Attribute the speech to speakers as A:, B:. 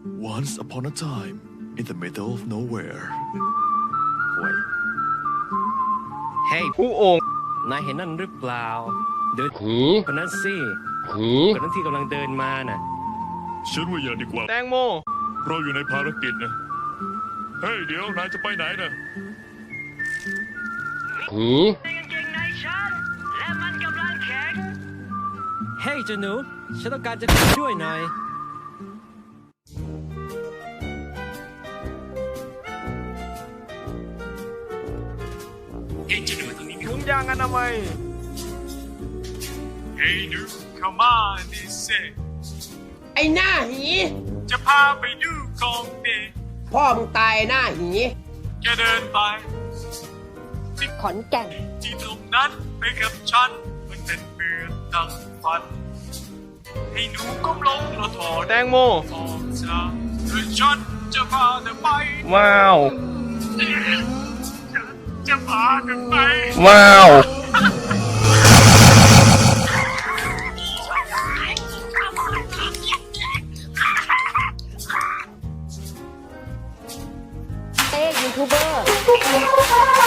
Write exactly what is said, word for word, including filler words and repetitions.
A: Once upon a time in the middle of nowhere
B: หวยเฮ้ย
C: ผู้องค์
B: นายเห็นนั่นหรือเปล่า เดิน
C: หือ
B: คนนั้นสิ
C: หือ
B: คนนั้นที่กำลังเดินมาน่ะ
D: ฉันว่าอย่าดีกว่า
C: แตงโม
D: เราอยู่ในภารกิจนะ เฮ้ย เดี๋ยวนายจะไปไหนนะ
C: หือ
B: เฮ้ยเจ้าหนูฉันต้องการจะช่วยหน่อย
C: ถุงยางอนามัย
D: เฮ้ยดูเข้ามาดิเซ
E: ไอ้หน้าหี
D: จะพาไปดูของดี
E: พ่อมึงตายหน้าหี
D: แกเดินไป
F: ขอนแก่น
D: ที่ตรงนั้นไปกับฉัน มันเป็นเมืองดังฝัน ให้หนูก้มลงแล้วถอด
C: แตงโม
D: ออกจากโดยฉันจะพาเธอไป
C: ว้าว
D: ฉันจะพาเธอไป
C: ว้าว
F: เต้ยูทูบเบอร์